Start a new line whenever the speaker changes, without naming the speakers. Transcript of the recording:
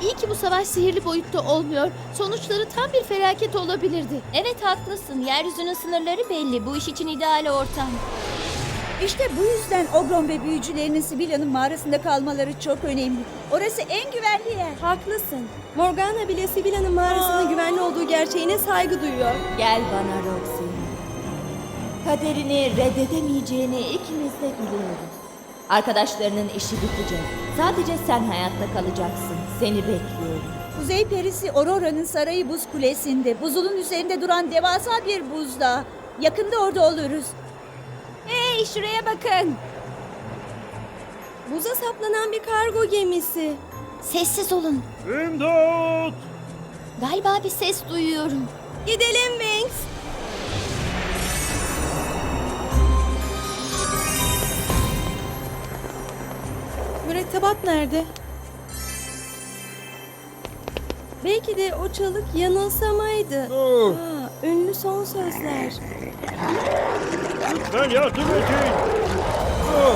İyi ki bu savaş sihirli boyutta olmuyor. Sonuçları tam bir felaket olabilirdi.
Evet haklısın. Yeryüzünün sınırları belli. Bu iş için ideal ortam.
İşte bu yüzden Ogron ve büyücülerinin Sibilla'nın mağarasında kalmaları çok önemli. Orası en güvenli yer.
Haklısın. Morgana bile Sibilla'nın mağarasının güvenli olduğu gerçeğine saygı duyuyor.
Gel bana Roxy. Kaderini reddedemeyeceğini ikimiz de biliyoruz. Arkadaşlarının işi bitecek. Sadece sen hayatta kalacaksın. Seni bekliyorum.
Kuzey perisi Aurora'nın sarayı buz kulesinde. Buzulun üzerinde duran devasa bir buzdağı. Yakında orada oluruz.
Hey şuraya bakın. Buza saplanan bir kargo gemisi.
Sessiz olun.
İmdat!
Galiba bir ses duyuyorum.
Gidelim Wings. Mürettebat nerede? Belki de o çalık yanılsamaydı. Ünlü son sözler.
Lütfen yardım edin.